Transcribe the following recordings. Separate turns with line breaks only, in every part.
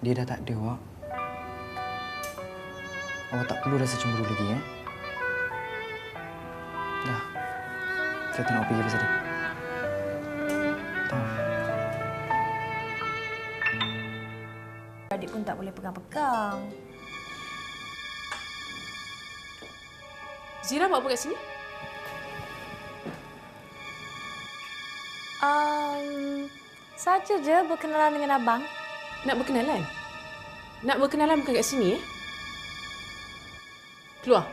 Dia dah tak ada, Wak. Awak tak perlu rasa cemburu lagi, ya? Dah. Saya tak nak pergi pasal dia. Tahu.
Adik pun tak boleh pegang-pegang.
Zira buat apa kat sini?
Saja je berkenalan dengan abang.
Nak berkenalan? Nak berkenalan bukan kat sini, ya? Keluar.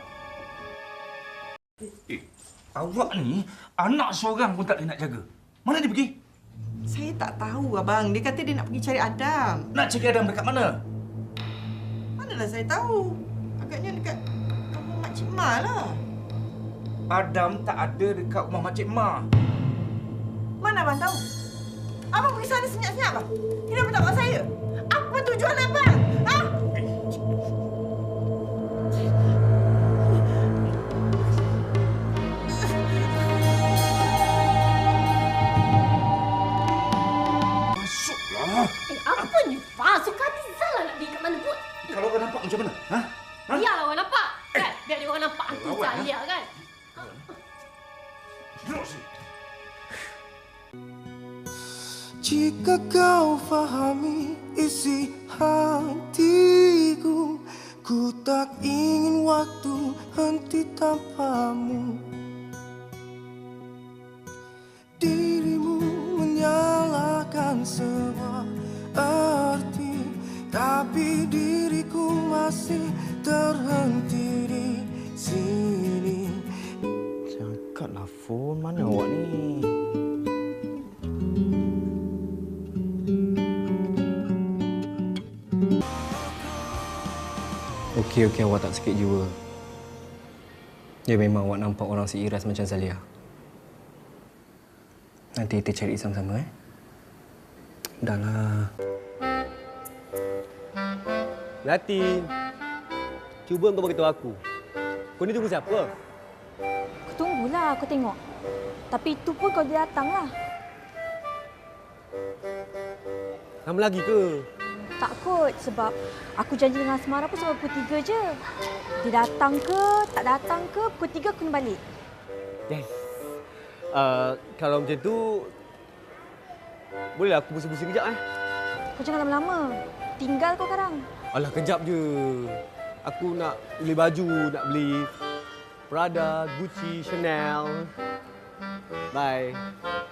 Awak ni anak seorang pun tak boleh nak jaga. Mana dia pergi?
Saya tak tahu, abang. Dia kata dia nak pergi cari Adam.
Nak cari Adam dekat mana?
Manalah saya tahu. Agaknya dekat kampung Makcik Ma lah.
Adam tak ada dekat rumah Makcik Ma.
Mana abang tahu? Abang pergi sana senyap-senyap lah. Kenapa tak buat saya? Apa tujuan abang? Ha?
Masuklah.
Apa ni, Fah? Suka hati Zal nak pergi kat mana pun.
Kalau orang nampak macam mana? Ha? Ha?
Biarlah orang nampak. Kan? Biar dia orang nampak hantu
Lawan,
Zalia kan?
Duduk sini.
Jika kau fahami isi hatiku, ku tak ingin waktu henti tanpamu. Dirimu menyalakan sebuah arti, tapi diriku masih terhenti di sini.
Angkatlah phone. Mana awak ni? Okey, awak tak sakit jiwa. Ya, memang awak nampak orang seiras macam Zalia. Nanti kita cari sama-sama, Dahlah.
Latin, cuba kau beritahu aku. Kau ni tunggu siapa?
Aku tunggulah, aku tengok. Tapi itu pun kalau dia datanglah.
Lama lagi ke?
Tak kot, sebab aku janji dengan Asmara pun sampai pukul 3 je. Dia datang ke, tak datang ke, pukul 3 aku kena balik.
Yes. Kalau macam tu, bolehlah aku pusing-pusing kejap
Kau jangan lama-lama. Tinggal kau sekarang.
Alah, kejap je. Aku nak beli baju, nak beli Prada, Gucci, Chanel. Bye.